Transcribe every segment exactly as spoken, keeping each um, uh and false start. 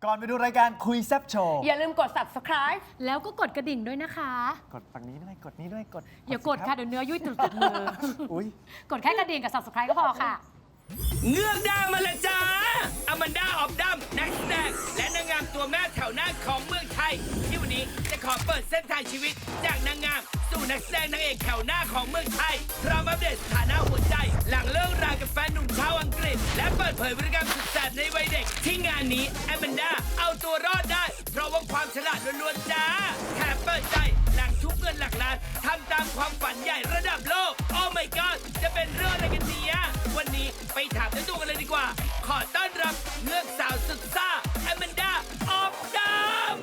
ก่อนไปดูรายการคุยแซ่บโชว์อย่าลืมกด ซับสไครบ์แล้วก็กดกระดิ่งด้วยนะคะกดฝั่งนี้ด้วยกดนี้ด้วยกดอย่ากดค่ะเดี๋ยวเนื้อยุ่ยติดติดมืออุ้ยกดแค่กระดิ่งกับ ซับสไครบ์ ก็พอค่ะเงือกดาวมาและจ้าอแมนดาออฟดัมนักแสดงและนางงามตัวแม่แถวหน้าของเมืองไทย ที่วันนี้จะขอเปิดเส้นทางชีวิต จากนางงามสู่นักแสดงนางเอกแถวหน้าของเมืองไทยพร้อมอัปเดตสถานะหัวใจ หลังเลิกรากับแฟนหนุ่มชาวอังกฤษ และเปิดเผยพฤติกรรมสุดแสบในวัยเด็ก ที่งานนี้อแมนดาเอาตัวรอดได้ เพราะว่าความฉลาดล้วนๆจ้าแถมเปิดใจหลังทุบเงินหลักล้านทำตามความฝันใหญ่ระดับโลกโอ้ my god จะเป็นเรื่องอะไรกันเนี่ยวันนี้ไปถามด้วยตัวกันเลยดีกว่า ขอต้อนรับเงือกสาวสุดซ่าแอมแมนดาออฟดัม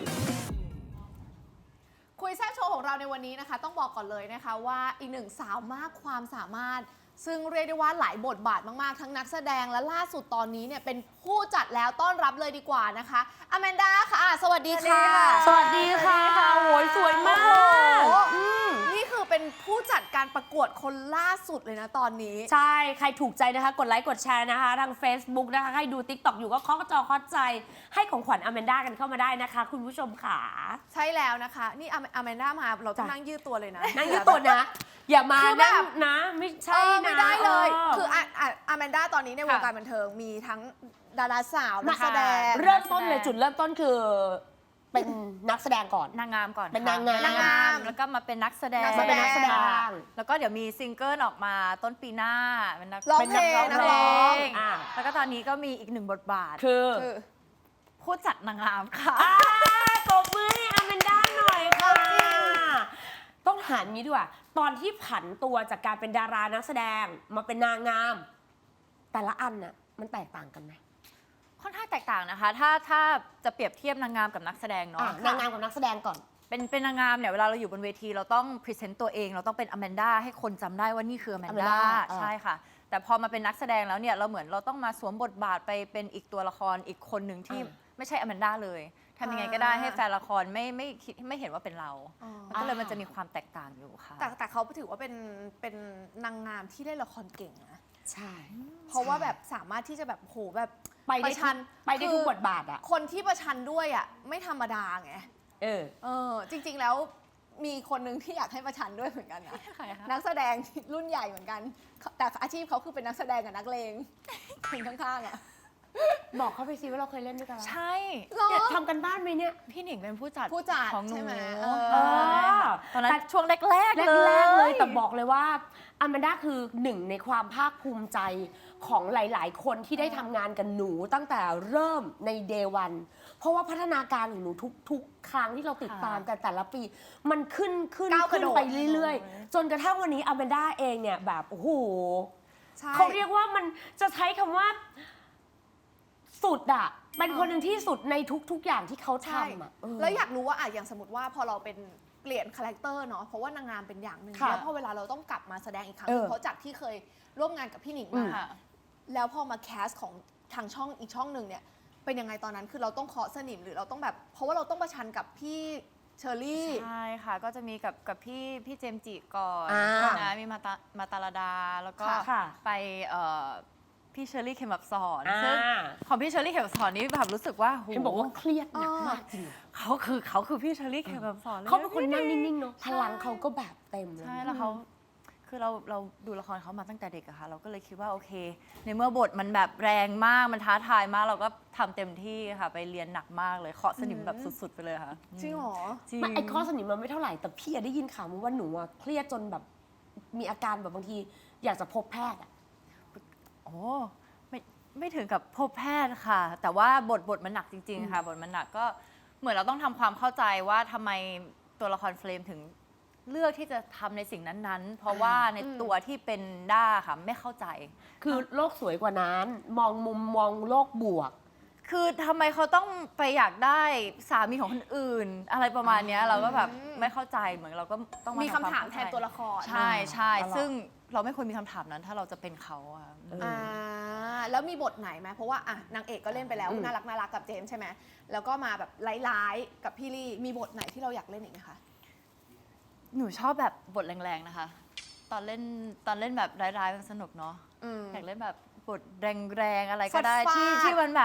คุยแซ่บโชว์ของเราในวันนี้นะคะ ต้องบอกก่อนเลยนะคะว่าอีกหนึ่งสาวมากความสามารถ ซึ่งเรียกได้ว่าหลายบทบาทมากๆทั้งนักแสดงและล่าสุดตอนนี้เนี่ยเป็นผู้จัดแล้วต้อนรับเลยดีกว่านะคะอแมนดาค่ะสวัสดีค่ะสวัสดีค่ะโหยสวยมากโอ้โหนี่คือเป็นผู้จัดการประกวดคนล่าสุดเลยนะตอนนี้ใช่ ใครถูกใจนะคะ กดไลค์กดแชร์นะคะ ทาง Facebook นะคะใครดู ติ๊กต็อก อยู่ก็เคาะจอเคาะใจ ให้ของขวัญอแมนด้ากันเข้ามาได้นะคะ คุณผู้ชมค่ะใช่แล้วนะคะ นี่อแมนดามาเราต้องจ้ะนั่งยืดตัวเลยนะนั่งยืดตัวนะ อย่ามาคือแบบนั่งนะ ไม่เอใช่อนะไม่ได้เลยออคืออ่ะอ่ะอแมนดาตอนนี้ในวงค่ะการบันเทิงมีทั้งดาราสาวนักแสดงเริ่มต้นเลยจุดเริ่มต้นคือ เป็นนักแสดงก่อนนางงามก่อนเป็นค่ะนางงามนางงามแล้วก็มาเป็นนักแสดงนักแสดงนักแสดงแล้วก็เดี๋ยวมีซิงเกิลออกมาต้นปีหน้าเป็นนักร้องเป็นเพลงนันักกร้ร้ออง งอ่าแล้วก็ตอนนี้ก็มีอีกหนึ่งบทบาทคือคือผู้จัดนางงามค่ะอ่าตบมือให้อแมนด้าหน่อยค่ะ ต้องถามงี้ดีกว่า ตอนที่ผันตัวจากการเป็นดารานักแสดงมาเป็นนางงาม แต่ละอันน่ะมันแตกต่างกันไหมค่อนข้างแตกต่างนะคะ ถ้าถ้าจะเปรียบเทียบนางงามกับนักแสดงเนาะอ่ะนางงามกับนักแสดงก่อนเป็นเป็นนางงามเนี่ยเวลาเราอยู่บนเวทีเราต้องพรีเซนต์ตัวเองเราต้องเป็นอแมนด้าให้คนจำได้ว่านี่คืออแมนด้า Amanda อ่าใช่ค่ะ แต่พอมาเป็นนักแสดงแล้วเนี่ยเราเหมือนเราต้องมาสวมบทบาทไปเป็นอีกตัวละครอีกคนหนึ่งที่ไม่ใช่อแมนด้าเลยทำยังไงก็ได้ให้แฟนละครไม่ไม่คิดไม่เห็นว่าเป็นเราอ๋อมันก็เลยมันจะมีความแตกต่างอยู่ค่ะแต่แต่เขาถือว่าเป็นเป็นนางงามที่เล่นละครเก่งนะใช่เพราะว่าแบบสามารถที่จะแบบโหแบบไปปได้ระชันไปได้ทุกบทบาทอ่ะคนที่ประชันด้วยอ่ะไม่ธรรมดาไงเออเออจริง ๆ แล้วมีคนหนึ่งที่อยากให้ประชันด้วยเหมือนกันนะใครคะนักแสดงรุ่นใหญ่เหมือนกัน แต่อาชีพเขาคือเป็นนักแสดงกับนักเลงคนข้างๆอ่ะบอกเขาไปสิว่าเราเคยเล่นด้วยกันใช่หรอเนี่ยทำกันบ้านไหมเนี่ยพี่หนิงเป็นผู้จัดผู้จัดของหนูใช่ไหมเอเออตอนนั้นช่วงแรกๆแรเลยกๆเลยแต่บอกเลยว่าอแมนด้าคือหนึ่งในความภาคภูมิใจของหลาย ๆ คนที่ได้ทำงานกับหนูตั้งแต่เริ่มในเดวันเพราะว่าพัฒนาการของหนูทุกๆ ครั้งที่เราติดตามกันแต่ละปี มันขึ้นขึ้นก้าวกขึ้ระนโดดไปเรื่อย ๆ จนกระทั่งวันนี้อแมนด้าเองเนี่ยแบบโอ้โหใช่เขาเรียกว่ามันจะใช้คำว่าสุดอะเป็นคนหนึ่งที่สุดในทุก ๆ อย่างที่เขาใช่ทำอะเออแล้วอยากรู้ว่าอ่ะอย่างสมมติว่าพอเราเป็นเปลี่ยนคาแรคเตอร์เนาะเพราะว่านางงามเป็นอย่างหนึ่งค่ะแล้วพอเวลาเราต้องกลับมาแสดงอีกครั้งเออเพราะจากที่เคยร่วมงานกับพี่หนิงอืมามค่ะแล้วพอมาแคสของทางช่องอีกช่องหนึ่งเนี่ยเป็นยังไงตอนนั้นคือเราต้องเคาะสนิมหรือเราต้องแบบ เพราะว่าเราต้องประชันกับพี่เชอรี่ใช่ค่ะ ก็จะมีกับกับพี่พี่เจมส์จิก่อนอ่านะมีมาตามาตาลาดา แล้วก็ค่ะไปเอ่อพี่เชอรี่เขมบับสอนอ่าซึ่งของพี่เชอรี่เขมบับสอนนี่แบบรู้สึกว่าโหเห็นบอกว่าเครียดหนักมากจริงเขาคือเขาคือพี่เชอรี่เขมบับสอนลยเขาเป็นคนนั่งนิ่งๆเนาะพลังเขาก็แบบเต็มเลยใช่แล้วเขาคือเราเราดูละครเขามาตั้งแต่เด็กอะค่ะ เราก็เลยคิดว่าโอเค ในเมื่อบทมันแบบแรงมากมันท้าทายมาก เราก็ทำเต็มที่ค่ะ ไปเรียนหนักมากเลยเคาะสนิมแบบสุดๆไปเลยค่ะจริงเหรอจริงไม่ไอ้ข้อสนิมมันไม่เท่าไหร่แต่พี่อะได้ยินข่าวมาว่าหนูอะเครียดจนแบบมีอาการแบบบางที อยากจะพบแพทย์อะโอ้ไม่ไม่ถึงกับพบแพทย์ค่ะ แต่ว่าบทบทมันหนักจริง ๆ ค่ะ บทมันหนักก็เหมือนเราต้องทำความเข้าใจว่าทำไมตัวละครเฟรมถึงเลือกที่จะทำในสิ่งนั้นๆ เพราะว่าในตัวที่เป็นด้าค่ะไม่เข้าใจคือโลกสวยกว่านั้น มองมุมมองโลกบวกคือทำไมเขาต้องไปอยากได้สามีของคนอื่น อะไรประมาณเนี้ยเราก็แบบไม่เข้าใจเหมือนเราก็ต้องมามีทำคำถามวแทนตัวละครใช่ใช่ตลอดซึ่งเราไม่ควรมีคำถามนั้นถ้าเราจะเป็นเขาอะเอออ่าแล้วมีบทไหนไหมเพราะว่าอ่ะนางเอกก็เล่นไปแล้วอืมน่ารักน่ารักกับเจมส์ใช่ไหมแล้วก็มาแบบร้ายๆกับพี่ลี่มีบทไหนที่เราอยากเล่นอีกไหมคะหนูชอบแบบบทแรงๆนะคะ ตอนเล่นตอนเล่นแบบร้ายๆมันสนุกเนาะอืมอยากเล่นแบบบทแรงๆอะไรก็ได้ฟาดๆที่ที่มันแบบ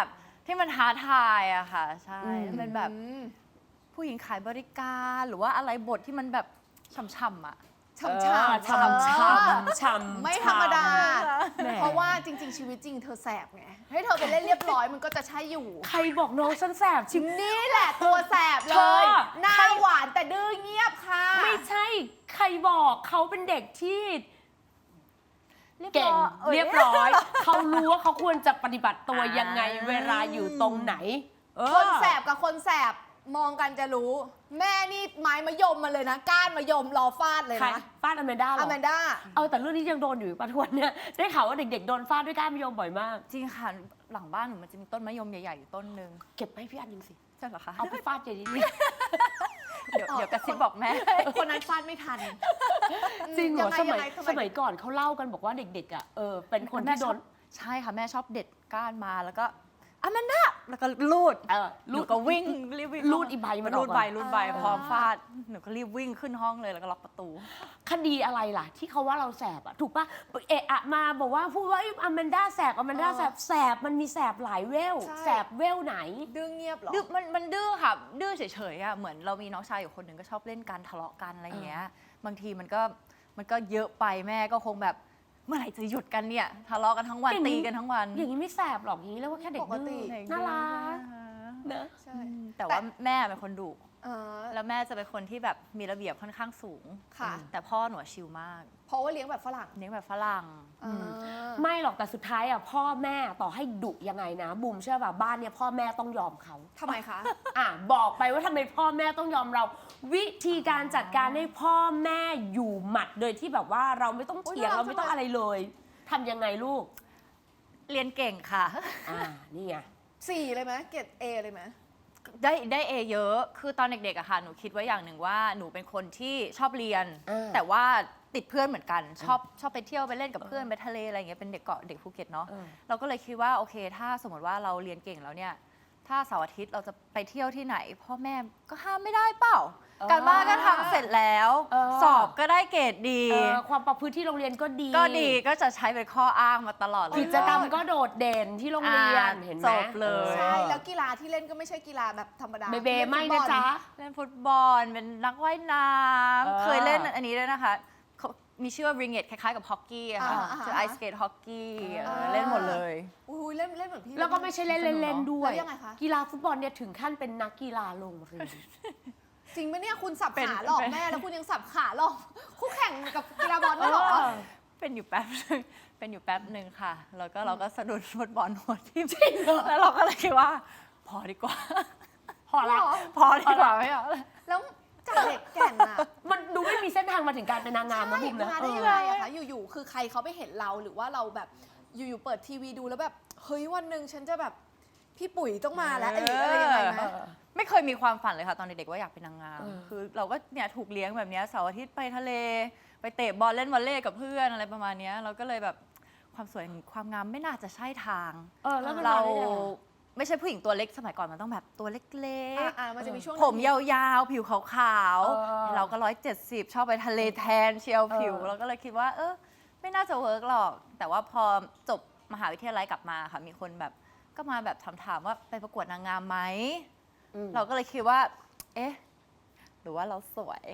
ที่มันท้าทายอะค่ะ ใช่อืมเป็นแบบผู้หญิงขายบริการหรือว่าอะไรบทที่มันแบบช่ำๆอะช่ำเอช่อำช่ำช่ำช่ำไม่ธรรมดาแหมเพราะว่าจริง ๆ ชีวิตจริงเธอแสบไง ให้เธอไปเล่นเรียบร้อยมันก็จะใช่อยู่ใครบอกน้องฉันแสบชิมนี่แหละตัวแสบเลเธยอหน้าหวานแต่ดื้อเงียบค่ะไม่ใช่ใครบอกเขาเป็นเด็กที่เก่งเรีเรียยบบ ร้ร้ออย ย เขารู้ว่าเขาควรจะปฏิบัติตัวอ่ายัยังไงเวลาอยู่ตรงไหนเออคนแสบกับคนแสบมองกันจะรู้ แม่นี่ไม้มะยมมาเลยนะ ก้านมะยมรอฟาดเลยใครนะฟาดอแมนด้าเหรออแมนด้าเอาแต่เรื่องนี้ยังโดนอยู่ปะทวนเนี่ยได้ข่าวว่าเด็กๆโดนฟาดด้วยก้านมะยมบ่อยมากจริงค่ะ หลังบ้านหนูมันจะมีต้นมะยมใหญ่ๆอยู่ต้นหนึ่งเก็บให้พี่อันหนึ่งสิใช่เหรอคะเอาไปฟาดใหญ่ดิเดี๋ยวเดี๋ยวกระซิบบอกแม่คนนั้นฟาดไม่ทันจริงเหรอยัสไงมัยงไงสมัยก่อนเขาเล่ากันบอกว่าเด็กๆอ่ะเออเป็นคนที่โดนใช่ค่ะ แม่ชอบเด็ดก้านมาแล้วก็อามันดาแล้วก็ลูดเออหลูนูดก็วิ่งรีบวิ่งลูดอีใบมันอรูอกดมาใบรูดใบอ่าพร้อมฟาดหนูก็รีบวิ่งขึ้นห้องเลยแล้วก็ล็อกประตูคดีอะไรล่ะ ที่เขาว่าเราแสบอะถูกปะเอะอะมาบอกว่าพูดว่าอแมนด้าแสบอแมนด้าแสบแสบมันมีแสบหลายเวลใช่แสบเวลไหนดื้อเงียบเหรอดื้อมันมันดื้อค่ะ ดื้อเฉยๆอะเหมือนเรามีน้องชายอยู่คนหนึ่งก็ชอบเล่นกันทะเลาะกันอะไรอย่างเงี้ย บางทีมันก็มันก็เยอะไปแม่ก็คงแบบเมื่อไหร่จะหยุดกันเนี่ยทะเลาะกันทั้งวันอย่างนี้ตีกันทั้งวันอย่างนี้ไม่แสบหรอกอย่างนี้เรียกว่าแค่เด็กปกติดื้อน่ารักเนอะใช่แต่ว่าแม่เป็นคนดุเออแล้วแม่จะเป็นคนที่แบบมีระเบียบค่อนข้างสูงค่ะแต่พ่อหนูอะชิลมากเพราะว่าเลี้ยงแบบฝรั่งเลี้ยงแบบฝรั่งอ่าไม่หรอกแต่สุดท้ายอะพ่อแม่ต่อให้ดุยังไงนะบุมเชื่อป่ะบ้านเนี่ยพ่อแม่ต้องยอมเขาทำไมคะอ่ะบอกไปว่าทำไมพ่อแม่ต้องยอมเรา วิธีการจัดการให้พ่อแม่อยู่หมัดโดยที่แบบว่าเราไม่ต้องเถียงโอ๊ยน่ารักเราไม่ต้องจังเลยอะไรเลยทำยังไงลูกเรียนเก่งค่ะอ่านี่ไงสี่เลยไหมเกรดเอเลยไหมได้ได้เอเยอะ คือตอนเด็กๆอะค่ะ หนูคิดไว้อย่างหนึ่งว่าหนูเป็นคนที่ชอบเรียนเออแต่ว่าติดเพื่อนเหมือนกัน ชอบชอบไปเที่ยวไปเล่นกับเพื่อนไปทะเลอะไรอย่างเงี้ย เป็นเด็กเกาะเด็กภูเก็ตเนาะเออเราก็เลยคิดว่าโอเค ถ้าสมมติว่าเราเรียนเก่งแล้วเนี่ย ถ้าเสาร์อาทิตย์เราจะไปเที่ยวที่ไหน พ่อแม่ก็ห้ามไม่ได้เปล่า การบ้านก็ทำเสร็จแล้วเออสอบก็ได้เกรดดีเออความประพฤติที่โรงเรียนก็ดีก็ดีก็จะใช้เป็นข้ออ้างมาตลอดเลยกิจกรรมก็โดดเด่นที่โรงเรียนอ่าเห็นไหมจบเลยใช่ แล้วกีฬาที่เล่นก็ไม่ใช่กีฬาแบบธรรมดาเบเบไม่ล่นะฟุตบอลจ๊ะเล่นฟุตบอลเป็นนักว่ายน้เออำเคยเล่นอันนี้ด้วยนะคะเขามีชื่อว่าริงเกตคล้ายๆกับฮอกกี้อะค่ะอ่าอ่าคือไอสเกตฮอกกี้อ่าเล่นหมดเลยอุ้ยเล่นเล่นเหมือนพี่แล้วก็ไม่ใช่เล่นเล่นๆด้วยแล้วยังไงคะกีฬาฟุตบอลเนี่ยถึงขั้นเป็นนักกีฬาโรงเรียนจริงไหมเนี่ยคุณสับเป็นขาหลอกเป็นแม่แล้วคุณยังสับขาหลอกคู่แข่งกับกีฬาบอลด้วยเหรอเออเป็นอยู่แป๊บนึงเป็นอยู่แป๊บหนึ่งค่ะ แล้วก็เราก็สะดุดฟุตบอลหัวที่จริงเหรอแล้วเราก็เลยคิดว่า พอดีกว่าพอละพอดีกว่าไม่เอาแล้วแล้วจากเด็กแก่นอะมันดูไม่มีเส้นทางมาถึงการเป็นนางงามนะบุ๋มนะมาเอได้อยังไงอะคะอยู่ๆคือใครเขาไปเห็นเราหรือว่าเราแบบอยู่ๆเปิดทีวีดูแล้วแบบเฮ้ยวันหนึ่งฉันจะแบบพี่ปุ๋ยต้องมาแล้วหรืออะไรยังไงไหมเออไม่เคยมีความฝันเลยค่ะตอนเด็กๆว่าอยากเป็นนางงามเออคือเราก็เนี่ยถูกเลี้ยงแบบเนี้ยเสาร์อาทิตย์ไปทะเล ไปเตะบอลเล่นวอลเลย์กับเพื่อนอะไรประมาณเนี้ยเราก็เลยแบบความสวยความงามไม่น่าจะใช่ทางเออแล้วมันเรามาได้ยังไงไม่ใช่ผู้หญิงตัวเล็กสมัยก่อนมันต้องแบบตัวเล็กอ่ะอ่ะมันจะมีช่วงๆ ผมยาวๆ ผิวขาวเออๆ เราก็ร้อยเจ็ดสิบชอบไปทะเลแทนเชียวผิวเออเราก็เลยคิดว่า เออไม่น่าจะเวิร์กหรอก แต่ว่าพอจบมหาวิทยาลัยกลับมาค่ะมีคนแบบก็มาแบบถามๆว่าไปประกวดนางงามไหมอืมเราก็เลยคิดว่า เอ๊ะ หรือว่าเราสวย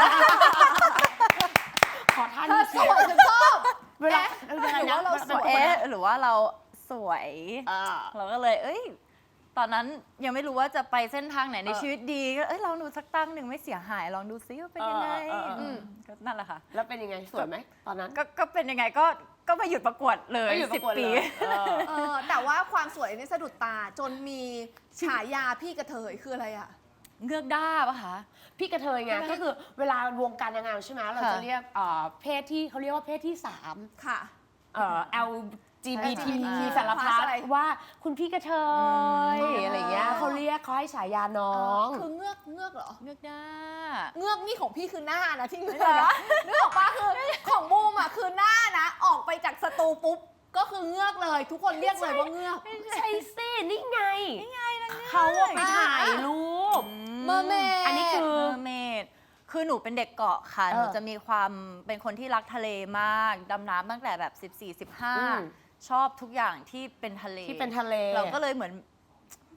ขอท่านเธอสวยฉันชอบเวลาเวลาหรือว่าเราสวยเอ๊ะ หรือว่าเราสวยอ่าเราก็เลย เอ้ย ตอนนั้นยังไม่รู้ว่าจะไปเส้นทางไหนในเออชีวิตดี ก็ เอ้ย ลองดูสักตั้งหนึ่งไม่เสียหาย ลองดูซิว่าเป็นยังไงเออเออเอออืมก็นั่นแหละค่ะแล้วเป็นยังไงสวยไหมตอนนั้นก็ก็เป็นยังไงก็ ก็ไม่หยุดประกวดเลยไม่หยุดประกวดสิบเลยปีเออเออแต่ว่าความสวยนี่สะดุดตาจนมีฉายาพี่กระเทยคืออะไรอะเงือกด้าปะคะพี่กระเทยไงใช่ไหมก็คือเวลาวงการนางงามใช่ไหมเราค่ะจะเรียกเอ่อเพศที่เขาเรียกว่าเพศที่สามค่ะเอ่อ แอล จี บี ทีอ่าสารพัดอะไรว่าคุณพี่กระเทยอืมอะไรอย่างเงี้ยอ๋อเขาเรียกเขาให้ฉายาน้องคือเงือกเงือกเหรอเงือกด้าเงือกนี่ของพี่คือหน้านะที่เงือกนะนึกออกปะคือของบูมอ่ะคือหน้านะ ออกไปจากสตูปุ๊บก็คือเงือกเลย ทุกคนเรียกเลยว่าเงือกใช่สินี่ไงนี่ไงเขาอะไปถ่ายรูปเมอร์เมดอันนี้คือเมอร์เมด คือหนูเป็นเด็กเกาะค่ะเออหนูจะมีความเป็นคนที่รักทะเลมาก ดำน้ำตั้งแต่แบบ สิบสี่ สิบห้าอืมชอบทุกอย่างที่เป็นทะเลที่เป็นทะเลเราก็เลยเหมือน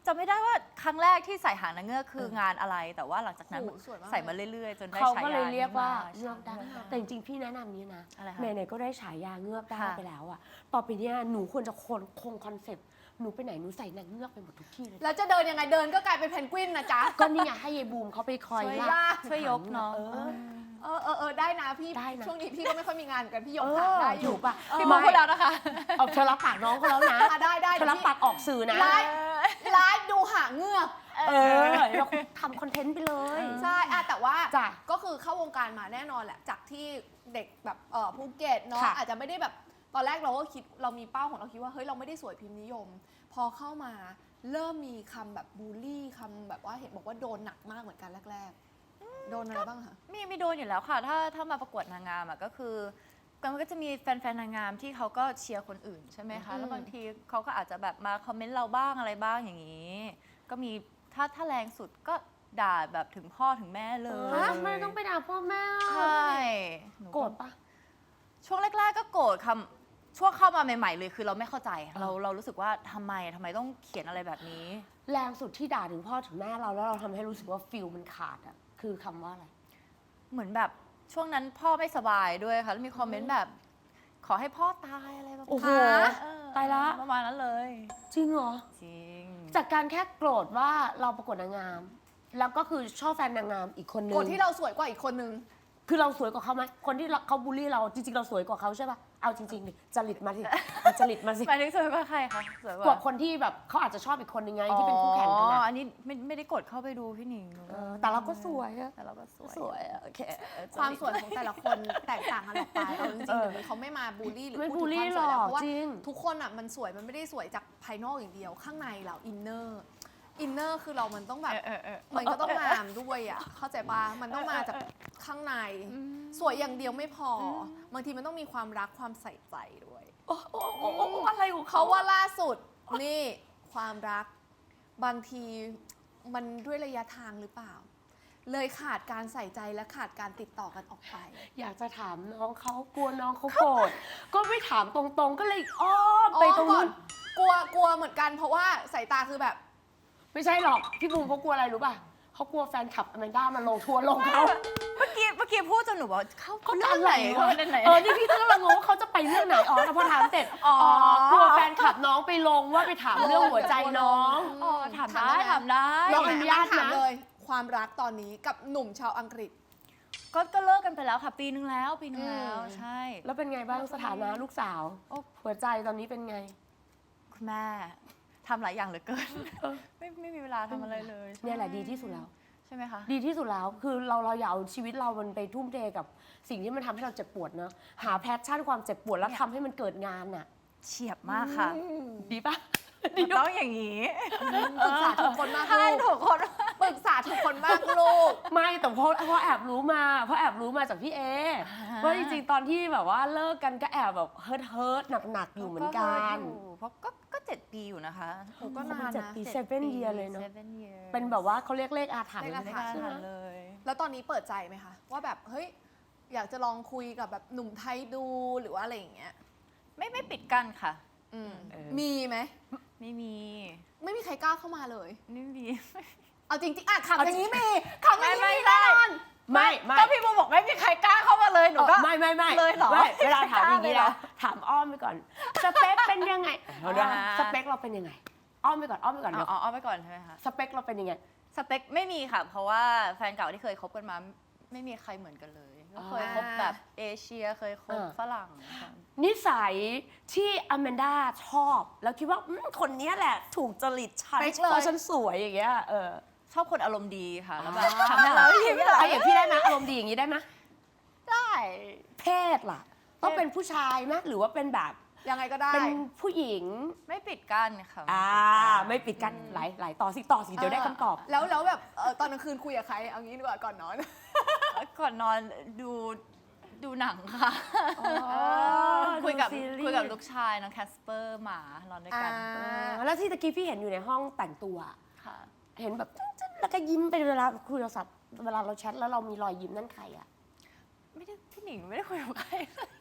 จำไม่ได้ว่าครั้งแรกที่ใส่หางนางเงือกคืองานอะไร แต่ว่าหลังจากนั้นโอ้โหสวยมากใส่มาเรื่อยๆ จนได้เขาฉายาก็เลยเรียกว่านี้มเงือกได้แต่จริงๆพี่แนะนำนี้นะอะไรคะไหนๆก็ได้ฉายาเงือกได้ค่ะไปแล้วอะต่อไปเนี้ยหนูควรจะคงคงคอนเซ็ปต์หนูไปไหนหนูใส่นางเงือกไปหมดทุกที่เลยแล้วจะเดินยังไงเดินก็กลายเป็นเพนกวินนะจ๊ะก็นี่ไงให้ยายบูมเขาไปคอยช่วยลากช่วยยกเนาะเออเออเออเออได้นะพี่ได้นะช่วงนี้พี่ก็ไม่ค่อยมีงานเหมือนกันพี่ยกเอหางอได้ออยู่ยู่ปะพี่มองพูดแล้วนะคะเอาเธอรับปากน้องเขาแล้วนะอ่ะได้ได้เธอรับปากออกสื่อนะไลฟ์ไลฟ์ดูหางเงือกเออเราทำคอนเทนต์ไปเลยใช่อะแต่ว่าจ้ะก็คือเข้าวงการมาแน่นอนแหละ จากที่เด็กแบบเออภูเก็ตเนาะค่ะอาจจะไม่ได้แบบตอนแรกเราก็คิดเรามีเป้าของเราคิดว่าเฮ้ยเราไม่ได้สวยพิมพ์นิยม พอเข้ามาเริ่มมีคำแบบบูลลี่คำแบบว่าเห็นบอกว่าโดนหนักมากเหมือนกันแรกๆ โดนอะไรบ้างคะมีมีโดนอยู่แล้วค่ะ ถ้าถ้ามาประกวดนางงามอ่ะก็คือมันก็จะมีแฟนๆนางงามที่เขาก็เชียร์คนอื่นใช่ไหมคะอืมแล้วบางทีเขาก็อาจจะแบบมาคอมเมนต์เราบ้างอะไรบ้างอย่างนี้ ก็มีถ้าถ้าแรงสุดก็ด่าแบบถึงพ่อถึงแม่เลยฮะทำไมต้องไปด่าพ่อแม่ใช่หนูโกรธปะช่วงแรก ๆ ก็โกรธคำช่วงเข้ามาใหม่ๆเลยคือเราไม่เข้าใจ เราเรารู้สึกว่าทำไมทำไมต้องเขียนอะไรแบบนี้แรงสุดที่ด่าถึงพ่อถึงแม่เราแล้วเราทำให้รู้สึกว่าฟิลมันขาดอะคือคำว่าอะไรเหมือนแบบช่วงนั้นพ่อไม่สบายด้วยค่ะแล้วมีคอมเมนต์แบบ ขอให้พ่อตายอะไรแบบโอ้โหเออตายละประมาณนั้นเลยจริงเหรอจริงจากการแค่โกรธว่าเราประกวดนางงาม แล้วก็คือชอบแฟนนางงามอีกคนนึงกดที่เราสวยกว่าอีกคนนึงคือเราสวยกว่าเขาไหมคนที่เขาบูลลี่เราจริงๆเราสวยกว่าเขาใช่ปะเอาจริงๆดิจริตมาสิเอาจริตมาสิหมายถึงสวยกว่าใครคะสวยกว่าคนที่แบบเขาอาจจะชอบอีกคนนึงไงที่เป็นคู่แข่งกันอ๋อนะอันนี้ไม่ไม่ได้กดเข้าไปดูพี่หนิงเออแต่เราก็สวยอะแต่เราก็สวยสวยอะโอเคความสวยของแต่ละคนแตกต่างกันออกไปเอาจริงๆเออเดี๋ยวนี้เขาไม่มาบูลลี่หรือไม่พูดบูลถึลี่งความสวยแล้วหรอกเพราะว่าจริงทุกคนอ่ะมันสวยมันไม่ได้สวยจากภายนอกอย่างเดียว ข้างในเราอินเนอร์อินเนอร์คือเรามันต้องแบบเออเออเออมันก็ต้องงามด้วยอ่ะเข้าใจปะมันต้องมาจากข้างใน สวยอย่างเดียวไม่พออบางทีมันต้องมีความรักความใส่ใจด้วยโอ้โอ้โอ้โอ้อะไรของเขาเขาว่าล่าสุดนี่ความรักบางทีมันด้วยระยะทางหรือเปล่า เลยขาดการใส่ใจและขาดการติดต่อกันออกไปอยากจะถามน้องเขากลัวน้องเขาโกรธก็ไม่ถามตรงๆ ก็เลยอ้อมไปตรงนู้นกลัวกลัวเหมือนกันเพราะว่าสายตาคือแบบไม่ใช่หรอก พี่บูมเขากลัวอะไรรู้ป่ะเขากลัวแฟนคลับอแมนด้ามาลงทัวร์ลงเขาเมื่อกี้เมื่อกี้พูดจนหนูบอกเขาเขาเรื่จะองอะไรไหนวะเขาเรื่องไหนเออนี่พี่ก็กำลังงงว่าเขาจะไปเรื่องไหนอ๋อแล้วพอถามเสร็จอ๋อ๋ออ กลัวแฟนคลับน้องไปลงว่าไปถามเรื่องหัวใจน้องอ๋อถามได้ถามได้น้องอนุญาตนะถามเลย ความรักตอนนี้กับหนุ่มชาวอังกฤษก็ก็เลิกกันไปแล้วค่ะ ปีนึงแล้วปีนึงแล้วอืมใช่แล้วเป็นไงบ้างสถานะลูกสาวโอ้หัวใจตอนนี้เป็นไงคุณแม่ทำหลายอย่างเหลือเกินเออไม่ไม่มีเวลาทำอะไรเลยเนี่ยแหละดีที่สุดแล้วใช่ไหมคะดีที่สุดแล้วคือเราเราอย่าเอาชีวิตเรามันไปทุ่มเทกับสิ่งที่มันทำให้เราเจ็บปวดเนอะหาแพชชั่นความเจ็บปวดแล้วทำให้มันเกิดงานน่ะเฉียบมากค่ะดีปะมันต้องอย่างนี้ปรึกษาทุกคนมากใช่ลูกถูกคนปรึกษาทุกคนมากลูกไม่แต่เพราะเพราะแอบรู้มาเพราะแอบรู้มาจากพี่เอว่าจริงๆตอนที่แบบว่าเลิกกันก็แอบแบบเฮิร์ทเฮิร์ทหนักๆอยู่เหมือนกันเพราะก็ก็เจ็ดปีอยู่นะคะโอ้ก็นานเจ็ดนะปี seven year เลยเนอะ seven year เป็นแบบว่าเขาเรียกเลขอาถรรพ์เลขอาไม่ถรกรล้าพ์ทำเลยแล้วตอนนี้เปิดใจไหมคะ ว่าแบบเฮ้ยอยากจะลองคุยกับแบบหนุ่มไทยดูหรือว่าอะไรอย่างเงี้ยไม่ไม่ปิดกั้นค่ะอืมเออมีไหมไม่มีไม่มีใครกล้าเข้ามาเลยไม่มีเอาจริงๆอ่ะขับเอาอจริย่าง งนี้มีขับอย่างนี้ไม่มีไม่แน่นอนไม่ไม่ก็พี่บูบอกไม่มีใครกล้าเข้ามาเลยหนูก็ไม่ไม่ไม่เลยเหรอไม่เวลาถามอย่างไม่นี้กล้าเลยเหรนะอถามอ้อมไปก่อนสเปคเป็นยังไงเอาด้วยอ่าสเปคเราเป็นยังไง อ้อมไปก่อนอ้อมไปก่อนอ๋เดี๋ยวอเอาไปก่อนใช่ไหมคะสเปคเราเป็นยังไงสเปคไม่มีค่ะ เพราะว่าแฟนเก่าที่เคยคบกันมา ไม่มีใครเหมือนกันเลยก็เคยคบแบบเอเชียเคยคบอ่าฝรั่งค่ะนิสัยที่อแมนด้าชอบ แล้วคิดว่าอืมคนเนี้ยแหละ ถูกจริตฉันเป๊กเลยเพราะฉันสวยอย่างเงี้ยเออชอบคนอารมณ์ดีค่ะแล้วแบบอ่าทำให้เรายิ้มเอาอย่างพี่ได้ไหมอารมณ์ดีอย่างนี้ได้ไหมได้เพศล่ะ ต้องเป็นผู้ชายไหมหรือว่าเป็นแบบยังไงก็ได้เป็นผู้หญิงไม่ปิดกั้นค่ะอ่าไม่ปิดกันหลายหลายต่อสิต่อสิเดี๋ยวได้คำตอบแล้วแล้วแบบเอ่อตอนกลางคืนคุยกับใคร เอางี้ดีกว่าก่อนนอนก่อนนอนดูดูหนังค่ะอ๋อคุยกับดูซีรีส์คุยกับลูกชายน้องแคสเปอร์หมานอนด้วยกันอ่าอ่าแล้วที่ตะกี้พี่เห็นอยู่ในห้องแต่งตัวค่ะเห็นแบบจึ๊ดๆแล้วก็ยิ้มไปเวลาคุยโทรศัพท์เวลาเราแชทแล้วเรามีรอยยิ้มนั่นใครอะไม่ได้พี่หนิงไม่ได้คุยกับใครเลย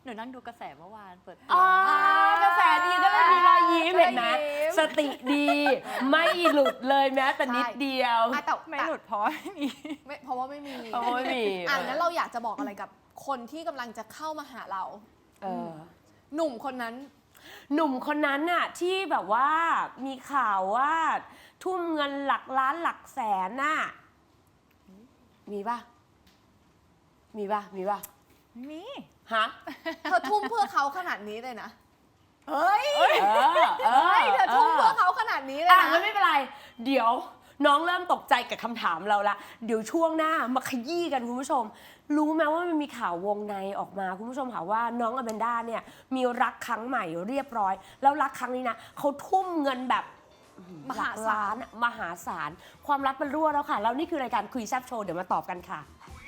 หนูนั่งดูกระแสเมื่อวานเปิดตัวอ่ากระแสดีก็เลยมีรอยยิ้มเห็นไหมรอยยิ้มสติดี ไม่หลุดเลยแม้แต่นิดเดียวอ่ะแต่ไม่หลุดเพราะว่าไม่มีไม่เพราะว่าไม่มีเพราะว่าไม่มีอ่ะงั้นเราอยากจะบอกอะไรกับคนที่กำลังจะเข้ามาหาเราเออหนุ่มคนนั้นหนุ่มคนนั้นน่ะที่แบบว่ามีข่าวว่า ทุ่มเงินหลักล้านหลักแสนน่ะมีป่ะ มีป่ะ มีป่ะมีฮะเธอทุ่มเพื่อเขาขนาดนี้เลยนะเฮ้ย เออเอเฮ้อยเธอทุ่มเพื่อเขาขนาดนี้เลยอ่ะนะงั้นไม่เป็นไร เดี๋ยวน้องเริ่มตกใจกับคำถามเราละ เดี๋ยวช่วงหน้ามาขยี้กันคุณผู้ชม รู้ไหมว่ามันมีข่าววงในออกมาคุณผู้ชมค่ะว่าน้องอแมนด้าเนี่ยมีรักครั้งใหม่เรียบร้อย แล้วรักครั้งนี้นะเขาทุ่มเงินแบบมหาศาลหลักล้นอะมหาศาล ความรักมันรั่วแล้วค่ะ แล้วนี่คือรายการคุยแซ่บโชว์เดี๋ยวมาตอบกันค่ะ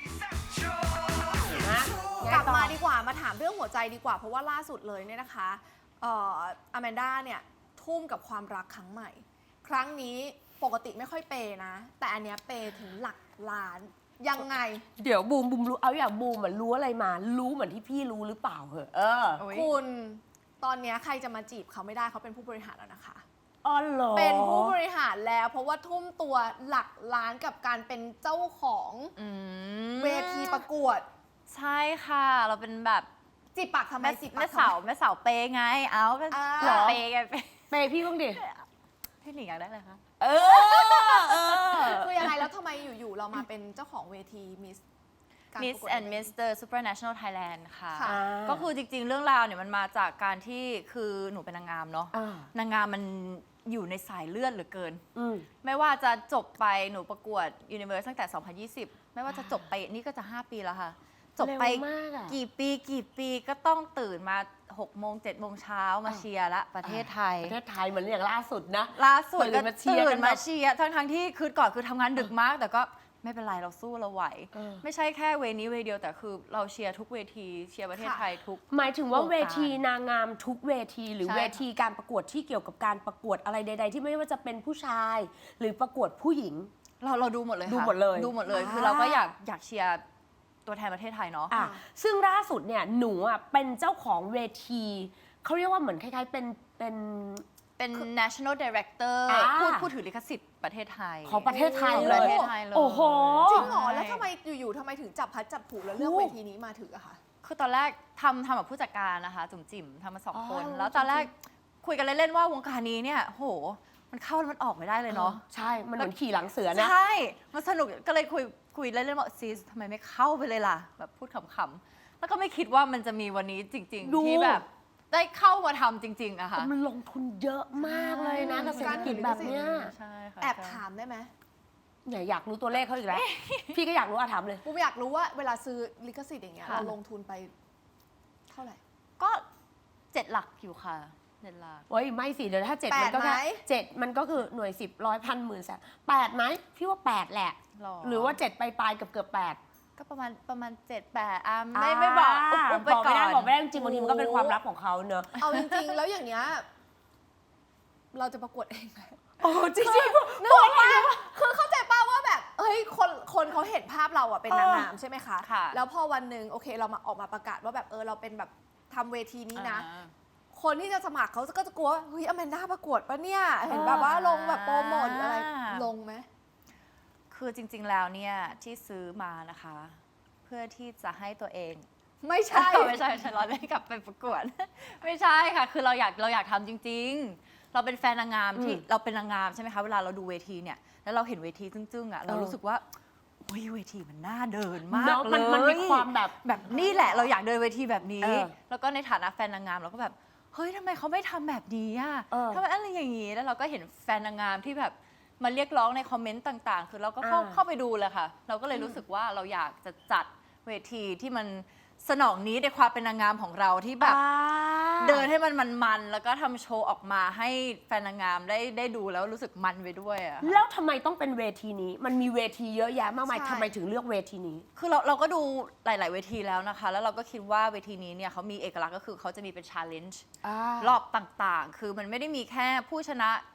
นะกลับมาดีกว่ามาถามเรื่องหัวใจดีกว่า เพราะว่าล่าสุดเลยเนี่ยนะคะเอ่ออแมนด้าเนี่ยทุ่มกับความรักครั้งใหม่ ครั้งนี้ปกติไม่ค่อยเปย์นะ แต่อันเนี้ยเปย์ถึงหลักล้านยังไงเดี๋ยวบูมบูมรู้เอาอย่างบูมเหมือนรู้อะไรมา รู้เหมือนที่พี่รู้หรือเปล่าเหอะเออโอ้ยคุณตอนเนี้ยใครจะมาจีบเขาไม่ได้เขาเป็นผู้บริหารแล้วนะคะอ๋อเหรอเป็นผู้บริหารแล้ว เพราะว่าทุ่มตัวหลักล้านกับการเป็นเจ้าของอืมเวทีประกวดใช่ค่ะ เราเป็นแบบจีบปากทำไมแม่จีบปาแม่กทำไมสาวแม่สาวเปย์ไง เอาก็อ่าหรอเปย์ไงเปย์เปย์พี่บ้างดิพี่หนิงอยากได้อะไรคะเออเออคือยังไงแล้วทำไมอยู่ๆเรามาเป็นเจ้าของเวทีมิส Miss and Mister Supranational Thailand ค่ะค่ะก็คือจริงๆ เรื่องราวเนี่ยมันมาจากการที่คือหนูเป็นนางงามเนาะอ่านางงามมันอยู่ในสายเลือดเหลือเกินอืมไม่ว่าจะจบไปหนูประกวด Universe ตั้งแต่ สองพันยี่สิบ ไม่ว่าจะจบไปนี่ก็จะ ห้า ปีแล้วค่ะ จบไปเร็วมากอะกี่ปีกี่ปีก็ต้องตื่นมา หกโมงเจ็ดโมงเช้ามาเชียร์ละประเทศไทยประเทศไทยเหมือนอย่างล่าสุดนะล่าสุดตื่ก็นมาเชียร์ตื่กันนแบบมาเชียร์ทั้งทั้งๆที่คือก่อนคือทำงานดึกมาก แต่ก็ไม่เป็นไรเราสู้เราไหวเออไม่ใช่แค่เวนี้เวเดียวแต่คือเราเชียร์ทุกเวทีเชียร์ประเทศไทยทุกหมายถึงว่าโครงการเวทีนางงามทุกเวที หรือใช่เวทีการประกวดที่เกี่ยวกับการประกวดอะไรใด ๆ ที่ไม่ว่าจะเป็นผู้ชาย หรือประกวดผู้หญิงเราเราดูหมดเลยค่ะดูหมดเลยดูหมดเลยอ่าคือเราก็อยากอยากเชียร์ตัวแทนประเทศไทยเนาะอ่ะซึ่งล่าสุดเนี่ยหนูอ่ะเป็นเจ้าของเวทีเขาเรียกว่าเหมือนคล้ายๆเป็นเป็นเป็น national director อ่าผู้ผู้ถือลิขสิทธิ์ประเทศไทยของประเทศไทยของเลประยเทศไทยเลยโอ้โหจริงเหรอแล้วทำไมอยู่ๆทำไมถึงจับพัดจับผูแล้วเลือกโอ้เวทีนี้มาถืออะคะคือตอนแรกทำทำกับผู้จัดการนะคะ จุ๋มจิ๋มทำมาสองอ๋อคน แล้วตอนแรกคุยกันเล่น ๆ ว่าวงการนี้เนี่ยโห มันเข้าแล้วมันออกไม่ได้เลยเนาะใช่ มันเหมือนขี่หลังเสือนะใช่ มันสนุกก็เลยคุยคุยเล่นๆว่าซีสทำไมไม่เข้าไปเลยล่ะ แบบพูดขำๆ แล้วก็ไม่คิดว่ามันจะมีวันนี้จริงดูๆ ที่แบบได้เข้ามาทำจริง ๆอะค่ะมันลงทุนเยอะมากเลยนะกับเศรษฐกิจแบบเนี้ยใช่ค่ะแอบใช่ถามได้ไหมอย่าอยากรู้ตัวเลขเขาอีกแล้ว พี่ก็อยากรู้อะถามเลยผมอยากรู้ว่าเวลาซื้อลิขสิทธิ์อย่างเงี้ยค่ะเราลงทุนไปเท่าไหร่ก็เจ็ดหลักอยู่ค่ะเจ็ดหลักโอ้ยไม่สิเดี๋ยวถ้าเจ็ดแปมัดนก็แค่ไหมเจ็ดมันก็คือหน่วยสิบร้อยพันหมื่นแสนแปดไหมพี่ว่าแปดแหละหรอหรือว่าเจ็ดปลายๆเกือบเกือบแปดก็ประมาณประมาณเจ็ดแปดอ่ะไม่ไม่บอกอุบๆไปบอกก่ไม่อได้นบอกไม่ได้จริงๆบางทีมันก็เป็นความลับของเขาเนอะเอาจริงๆ แล้วอย่างเงี้ยเราจะประกวดเองไหมโอ้จริงนึกออกปะคือเข้าใจป้าว่าแบบเฮ้ยคนคนเขาเห็นภาพเราอะเป็นนางงามใช่ไหมคะค่ะแล้วพอวันหนึ่งโอเคเรามาออกมาประกาศว่าแบบเออเราเป็นแบบทำเวทีนี้นะอ่าคนที่จะสมัครเขาก็จะกลัวว่าเฮ้ยอแมนด้าประกวดปะเนี่ย เห็นแบบว่าลงแบบโปรโมทหรืออะไร ลงไหมคือจริง ๆ แล้วเนี่ยที่ซื้อมานะคะ เพื่อที่จะให้ตัวเองไม่ใช่ไม่ใช่ไม่ใช่เราได้กลับไปประกวด ไม่ใช่ค่ะ คือเราอยากเราอยากทำจริง ๆ เราเป็นแฟนนางงามที่เราเป็นนางงามใช่ไหมคะเวลาเราดูเวทีเนี่ยแล้วเราเห็นเวทีจึ้งๆอ่ะเรารู้สึกว่าโอ้ยเวทีมันน่าเดินมากเนอะเลมันยมันมีความแบบแบบนี่แหละเราอยากเดินเวทีแบบนี้เออแล้วก็ในฐานะแฟนนางงามเราก็แบบเฮ้ยทำไมเขาไม่ทำแบบนี้อ่ะเออทำไมอะไรอย่างนี้แล้วเราก็เห็นแฟนนางงามที่แบบมาเรียกร้องในคอมเมนต์ต่างๆ คือเราก็เข้าอ่าเข้าไปดูเลยค่ะ เราก็เลยรู้สึกว่าเราอยากจะจัดเวทีที่มันสนองนี้ในความเป็นนางงามของเราที่แบบอ่าเดินให้มันมันๆแล้วก็ทำโชว์ออกมาให้แฟนนางงามได้ได้ดูแล้วรู้สึกมันไปด้วยอะค่ะแล้วทำไมต้องเป็นเวทีนี้ มันมีเวทีเยอะแยะมากมายใช่ทำไมถึงเลือกเวทีนี้คือเราเราก็ดูหลาย ๆ เวทีแล้วนะคะ แล้วเราก็คิดว่าเวทีนี้เนี่ยเขามีเอกลักษณ์ก็คือเขาจะมีเป็นชาเลนจ์ รอบต่างๆ คือมันไม่ได้มีแค่ผู้ชนะ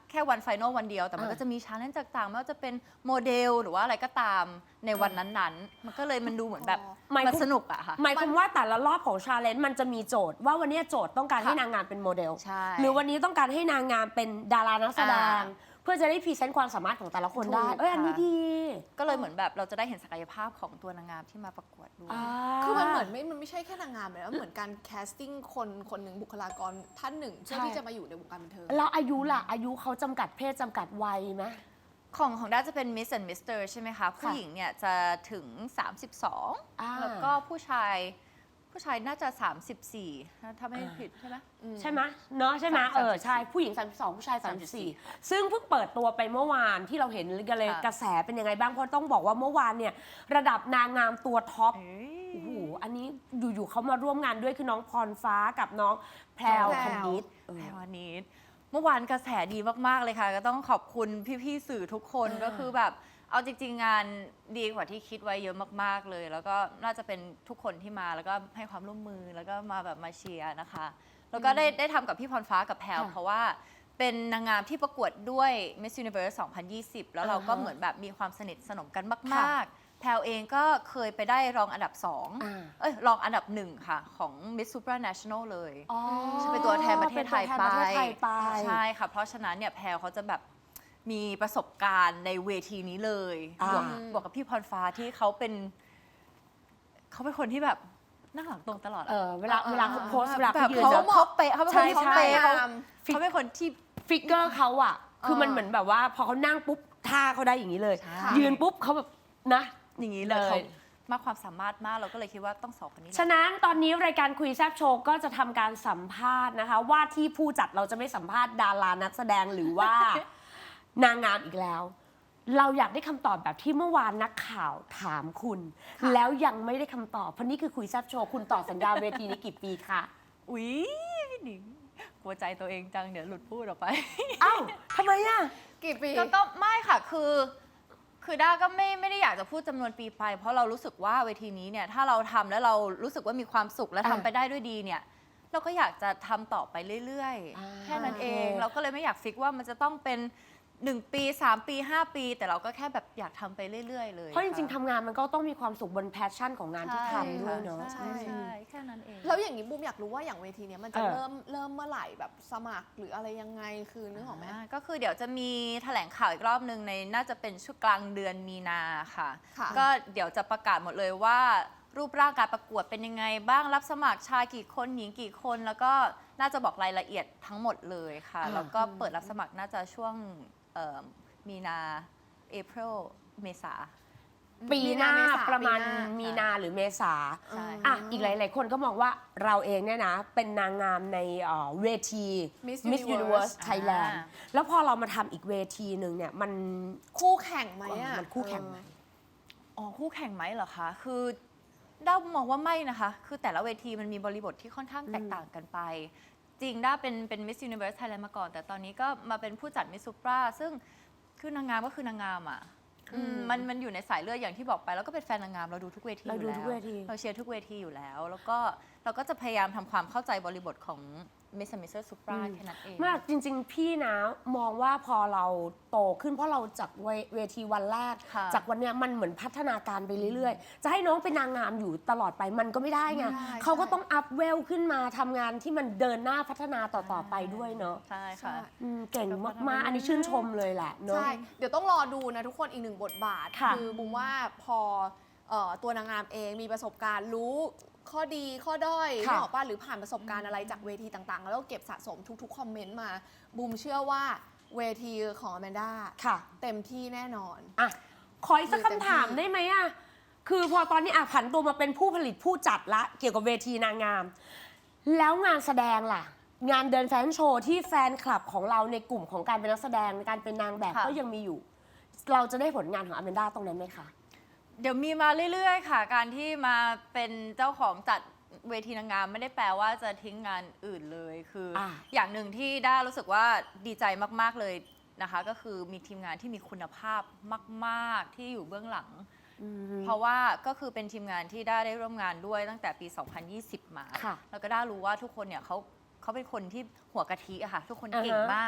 แค่วันไฟนอลวันเดียวแต่มันอ่าก็จะมีชาเลนจ์ต่างๆไม่ว่าจะเป็นโมเดลหรือว่าอะไรก็ตามในวันนั้นๆ มันก็เลยมันดูเหมือนแบบหมายมันความสนุกอะค่ะหมายความว่าแต่ละรอบของชาเลนจ์มันจะมีโจทย์ว่าวันนี้โจทย์ต้องการให้ค่ะนางงามเป็นโมเดลใช่หรือวันนี้ต้องการให้นางงามเป็นดารานักแสดงอ่าเพื่อจะได้พรีเซนต์ความสามารถของแต่ละคนได้ถูกเอ้ยอันนี้ค่ะดีก็เลยเหมือนแบบเราจะได้เห็นศักยภาพของตัวนางงามที่มาประกวดด้วยคือมันเหมือนไม่ มันไม่ใช่แค่นางงามเลยนะเหมือนการแคสติ้งคนคนหนึ่งบุคลากรท่านหนึ่งเพื่อใช่ที่จะมาอยู่ในวงการบันเทิงแล้วอายุล่ะ อายุเขาจำกัดเพศจำกัดวัยไหมของของด้าจะเป็น Miss and Mister ใช่ไหมคะ ผู้หญิงเนี่ยจะถึง สามสิบสองอ่าแล้วก็ผู้ชายผู้ชายน่าจะ สามสิบสี่ ถ้าไม่ผิดใช่ไหมใช่ไหมเนาะใช่ไหมสามสิบสี่เออใช่ผู้หญิง สามสิบสอง ผู้ชาย สามสิบสี่ ซึ่งเพิ่งเปิดตัวไปเมื่อวานที่เราเห็นกันเลยค่ะกระแสเป็นยังไงบ้างเพราะต้องบอกว่าเมื่อวานเนี่ยระดับนางงามตัวท็อป โอ้โห อันนี้อยู่ๆเขามาร่วมงานด้วยคือน้องพรฟ้ากับน้องแพรวแพรวคณิตแพรวันนี้เมื่อวานกระแสดีมาก ๆ เลยค่ะ ก็ต้องขอบคุณพี่ๆสื่อทุกคนอ่าก็คือแบบเอาจริง ๆ งานดีกว่าที่คิดไว้เยอะมาก ๆ เลย แล้วก็น่าจะเป็นทุกคนที่มาแล้วก็ให้ความร่วมมือแล้วก็มาแบบมาเชียร์นะคะ แล้วก็ได้ได้ทำกับพี่พรฟ้ากับแพรวเพราะว่าเป็นนางงามที่ประกวดด้วย Miss Universe สองพันยี่สิบ แล้วเราก็เหมือนแบบมีความสนิทสนมกันมาก ๆ แพรวเองก็เคยไปได้รองอันดับสองอ่าเอ้ยรองอันดับหนึ่งค่ะของ Miss Supranational เลยอ๋อจะเป็นตัวแทนประเทศไทยเป็นไปตัวแทนประเทศไทยไปใช่ค่ะ เพราะฉะนั้นเนี่ยแพรวเขาจะแบบมีประสบการณ์ในเวทีนี้เลยอ่าบวกบวกกับพี่พรฟ้าที่เขาเป็นเขาเป็นคนที่แบบนั่งหลังตรงตลอดเออเวลาอ่าเวลาเขาโพสต์เวลาแบเขาบยืนเขาแล้วเขาเป๊ะเขาเป็นคนที่ใช่เขาเป๊ะใช่เขาเขาเป็นคนที่ฟิกเกอร์เขาอะคือมันเหมือนแบบว่า พอเขานั่งปุ๊บท่าเขาได้อย่างนี้เลยใช่ยืนปุ๊บเขาแบบนะอย่างนี้เลยเลยเขามากความสามารถมากเราก็เลยคิดว่าต้องสองคนนี้แหละฉะนั้นตอนนี้รายการคุยแซบโชว์ก็จะทำการสัมภาษณ์นะคะ ว่าที่ผู้จัดเราจะไม่สัมภาษณ์ดารานักแสดงหรือว่า นางงามอีกแล้ว เราอยากได้คำตอบแบบที่เมื่อวานนักข่าวถามคุณ แล้วยังไม่ได้คำตอบเพราะนี่คือคุยแซบโชว์คุณต่อสัญญาเวทีนี้กี่ปีคะอุ๊ยพี่หนิงกลัวใจตัวเองจังเดี๋ยวหลุดพูดออกไปเอ้าทำไมอะกี่ปีก็ก็ไม่ค่ะ คือ คือด้าก็ไม่ไม่ได้อยากจะพูดจำนวนปีไป เพราะเรารู้สึกว่าเวทีนี้เนี่ยถ้าเราทำแล้วเรารู้สึกว่ามีความสุขและอ่าทำไปได้ด้วยดีเนี่ย เราก็อยากจะทำต่อไปเรื่อยอ่าๆ แค่นั้นเองโอเคเราก็เลยไม่อยากฟิกว่ามันจะต้องเป็นหนึ่งปีสามปีห้าปี แต่เราก็แค่แบบอยากทำไปเรื่อยๆเลยเพราะจริงๆค่ทำงานมันก็ต้องมีความสุขบนแพชชั่นของงานที่ทำด้วยเนาะใช่ใช่แค่นั้นเองแล้วอย่างนี้บูมอยากรู้ว่าอย่างเวทีเนี้ยมันจะเออเริ่มเริ่มเมื่อไหร่แบบสมัครหรืออะไรยังไงคือนึกออกไหมอ่าก็คือเดี๋ยวจะมีแถลงข่าวอีกรอบหนึ่งในน่าจะเป็นช่วงกลางเดือนมีนาค่ะค่ะก็เดี๋ยวจะประกาศหมดเลยว่า รูปร่างการประกวดเป็นยังไงบ้างรับสมัครชายกี่คนหญิงกี่คน แล้วก็น่าจะบอกรายละเอียดทั้งหมดเลยค่ะอ่าแล้วก็เปิดรับสมัครน่าจะช่วงเอ่อมีนาเอพ i l เมษาปีหน้ามีนาเมษาประมาณปีหน้ามีนาหรือเมษาใช่อ่ะอีกหลาย ๆ คนก็มองว่าเราเองเนี่ยนะ เป็นนางงามในเอ่อเวที Miss Miss Universe Universe Thailand อ่าแล้วพอเรามาทำอีกเวทีหนึ่งเนี่ยมันคู่แข่งไหมอ่ะมันคู่แข่งไหมอ๋อคู่แข่งไหมเหรอคะ คือด้ามองว่าไม่นะคะ คือแต่ละเวทีมันมีบริบทที่ค่อนข้างแตกต่างกันไป จริงด้าเป็นเป็น Miss Universe Thailand มาก่อน แต่ตอนนี้ก็มาเป็นผู้จัด Miss Supra ซึ่งคือนางงามก็คือนางงามอ่ะอืมมันมันอยู่ในสายเลือดอย่างที่บอกไป แล้วก็เป็นแฟนนางงามเราดูทุกเวทีเราอยู่ดูแล้วทุกเวทีเราเชียร์ทุกเวทีอยู่แล้ว แล้วก็เราก็จะพยายามทำความเข้าใจบริบทของ Miss and Mister Supra แค่นั้นเองมากจริง ๆ พี่นะมองว่าพอเราโตขึ้นเพราะเราจากเวเวทีวันแรกค่ะจากวันเนี้ยมันเหมือนพัฒนาการไปเรื่อย ๆ จะให้น้องเป็นนางงามอยู่ตลอดไปมันก็ไม่ได้ไงไม่ได้เขาก็ใช่ต้องอัพเวลขึ้นมาทำงานที่มันเดินหน้าพัฒนาต่อ ๆ ไปด้วยเนาะใช่ค่ะอืมเก่งมาก ๆ อันนี้ชื่นชมเลยแหละเนาะใช่ เดี๋ยวต้องรอดูนะทุกคนอีกหนึ่งบทบาทค่ะอบุมว่าพอเอ่อตัวนางงามเองมีประสบการณ์รู้ข้อดีข้อด้อยค่ะนึกออกป่ะหรือผ่านประสบการณ์อะไรจากเวทีต่างๆ แล้วก็เก็บสะสมทุกๆ คอมเมนต์มาบูมเชื่อว่าเวทีของอแมนด้าค่ะเต็มที่แน่นอนอ่ะ ขออีกสักดูเต็มคำถามที่ได้ไหมอ่ะ คือพอตอนนี้อ่ะผันตัวมาเป็นผู้ผลิตผู้จัดละ เกี่ยวกับเวทีนางงาม แล้วงานแสดงล่ะ งานเดินแฟชั่นโชว์ที่แฟนคลับของเราในกลุ่มของการเป็นนักแสดงการเป็นนางแบบค่ะก็ยังมีอยู่ เราจะได้ผลงานของอแมนด้าตรงนั้นไหมคะเดี๋ยวมีมาเรื่อยๆ ค่ะ การที่มาเป็นเจ้าของจัดเวทีนางงามไม่ได้แปลว่าจะทิ้งงานอื่นเลยคือออ่าอย่างหนึ่งที่ด้ารู้สึกว่าดีใจมากๆเลยนะคะ ก็คือมีทีมงานที่มีคุณภาพมากๆที่อยู่เบื้องหลัง เพราะว่าก็คือเป็นทีมงานที่ด้าได้ร่วมงานด้วยตั้งแต่ปี สองพันยี่สิบ มาค่ะแล้วก็ด้ารู้ว่าทุกคนเนี่ยเขาเขาเป็นคนที่หัวกะทิอะค่ะ ทุกคนอ่าฮะเก่งมาก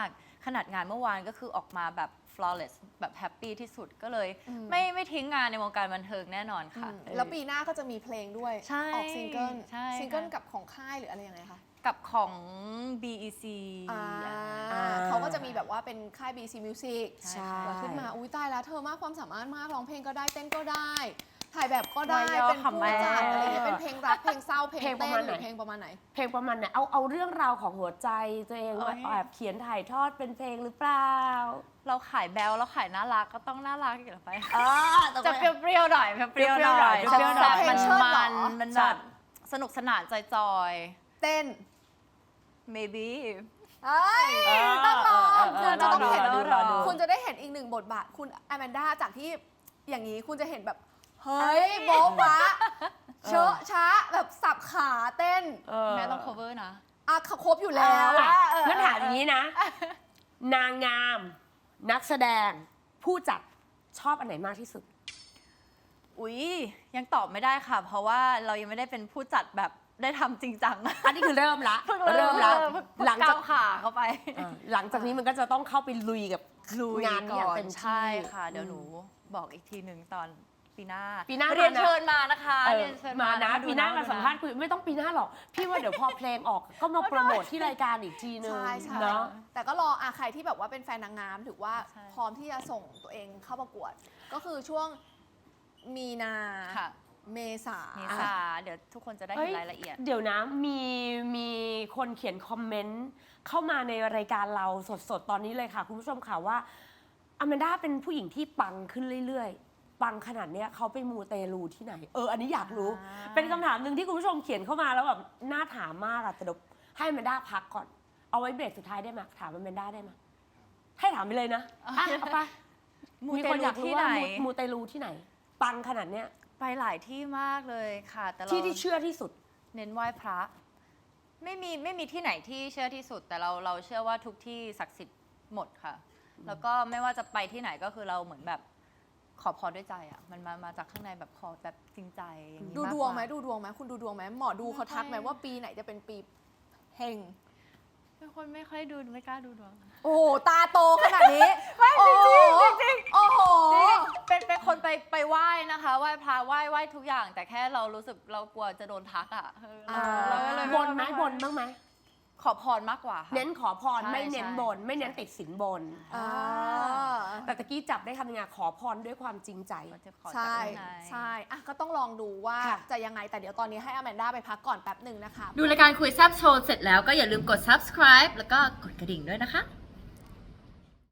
ขนาดงานเมื่อวานก็คือออกมาแบบ flawless แบบแฮปปี้ที่สุดก็เลยอืมไม่ไม่ทิ้งงานในวงการบันเทิงแน่นอนค่ะอืมแล้วปีหน้าก็จะมีเพลงด้วยใช่ออกซิงเกิลใช่ซิงเกิลค่ะกับของค่ายหรืออะไรยังไงคะกับของ บี อี ซีอ่าอ่าเขาก็จะมีแบบว่าเป็นค่าย บี ซี Music ใช่แล้วขึ้นมาอุ้ยตายแล้วเธอมากความสามารถมากร้องเพลงก็ได้เต้นก็ได้ ถ่ายแบบก็ได้วายย่อเป็นขำผู้จัดแม่อะไรอย่างเงี้ยเป็นเพลงรักเพลงเศร้าเพลงเพลงประเต้มาณนหรือไหนเพลงประมาณไหนเพลงประมาณไหนเอาเอาเรื่องราวของหัวใจตัวเองว่าโอ้ยแอบเขียนถ่ายทอดเป็นเพลงหรือเปล่าเราขายแบลเราขายน่ารักก็ต้องน่ารักอยู่แล้วไปอ่าจะเปรี้ยวๆหน่อยเปรี้ยวๆหน่อยเปรี้ยวๆหน่อยแซ่บๆมันเปรี้ยวๆหน่อยมันมันแบบสนุกสนานจอยเต้นๆ maybe เอ้ยเออต้องลองเออเออคุณจะต้องเห็นรอดูรอดูคุณจะได้เห็นอีกหนึ่งบทบาท คุณอแมนด้าจากที่อย่างนี้คุณจะเห็นแบบ เฮ้ยโบ๊ะบะเชอะช้าแบบสับขาเต้นเออแม่ต้อง cover นะอ่ะครบอยู่แล้วอ่ะเอองั้นถามอย่างนี้นะ นางงาม นักแสดง ผู้จัดชอบอันไหนมากที่สุดอุ๊ย ยังตอบไม่ได้ค่ะ เพราะว่าเรายังไม่ได้เป็นผู้จัดแบบได้ทำจริงจังอันนี้คือเริ่มละเพิ่งเริ่มละเพิ่งหลังจากก้าวขาเข้าไปอ่ะหลังจากนี้มันก็จะต้องเข้าไปลุยกับลุยงานนี้อย่างเต็มที่ใช่ค่ะ เดี๋ยวหนูบอกอีกทีหนึ่งตอนปีหน้าปีหน้าเรียนมานะเชิญมานะคะเออเรียนเชิญมานะดูปีหน้ามาดูสัมภาษณ์คุยไม่ต้องปีหน้าหรอก พี่ว่าเดี๋ยวพอเพลงออก ก็มาโปรโมทที่รายการอีกทีนึงใช่ใช่เนาะแต่ก็รออ่ะใครที่แบบว่าเป็นแฟนนางงามถือว่าใช่พร้อมที่จะส่งตัวเองเข้าประกวด ก็คือช่วงมีนาค่ะเมษาเมษาเดี๋ยวทุกคนจะได้เฮ้เห็ยนรายละเอียดเดี๋ยวนะมีมีคนเขียนคอมเมนต์เข้ามาในรายการเราสดๆ ตอนนี้เลยค่ะ คุณผู้ชมค่ะว่าอแมนด้าเป็นผู้หญิงที่ปังขึ้นเรื่อยๆ ปังขนาดเนี้ยเขาไปมูเตลูที่ไหน เอออันนี้อยากรู้อ่าเป็นคำถามหนึ่งที่คุณผู้ชมเขียนเข้ามาแล้วแบบน่าถามมากอะแต่เดี๋ยวให้อแมนด้าพักก่อน เอาไว้เบรกสุดท้ายได้ไหมถามอแมนด้าได้ไหมให้ถามไปเลยนะอ่ะเอาไปมูมีเตคนลูอยากรู้ที่ว่าไหนมูมูเตลูที่ไหน ปังขนาดเนี้ยไปหลายที่มากเลยค่ะ แต่เราที่ที่เชื่อที่สุดเน้นไหว้พระ ไม่มีไม่มีที่ไหนที่เชื่อที่สุด แต่เราเราเชื่อว่าทุกที่ศักดิ์สิทธิ์หมดค่ะ แล้วก็ไม่ว่าจะไปที่ไหนก็คือเราเหมือนแบบขอพรด้วยใจอ่ะมันมามาจากข้างในแบบขอแบบจริงใจอย่างนี้ดูมากดกวงไหมดูดวงไหมคุณดูดวงไหมหมอดูเขาทักไหมไม่ค่อยว่าปีไหนจะเป็นปีเฮงเป็นคนไม่ค่อยดูไม่กล้าดูดวงโอ้โห ตาโตขนาดนี้ ไม่จริงจริงโอ้โหจริงเป็นเป็นคนไปไปไหว้นะคะไหว้พระไหว้ไหว้ทุกอย่าง แต่แค่เรารู้สึกเรากลัวจะโดนทักอ่ะเออเราเราก็เลยบนไหมบนบ้างไหมขอพรมากกว่าค่ะเน้นขอพรใช่ไม่เน้นใช่บน ไม่เน้นติดสินบนอ่าแต่ตะกี้จับได้คำยังไงขอพรด้วยความจริงใจก็จะขอจากใช่ข้างในใช่อ่ะก็ต้องลองดูว่าค่ะจะยังไงแต่เดี๋ยวตอนนี้ให้อแมนด้าไปพักก่อนแป๊บหนึ่งนะคะดูรายการคุยแซบโชว์เสร็จแล้วก็อย่าลืมกด subscribe แล้วก็กดกระดิ่งด้วยนะคะ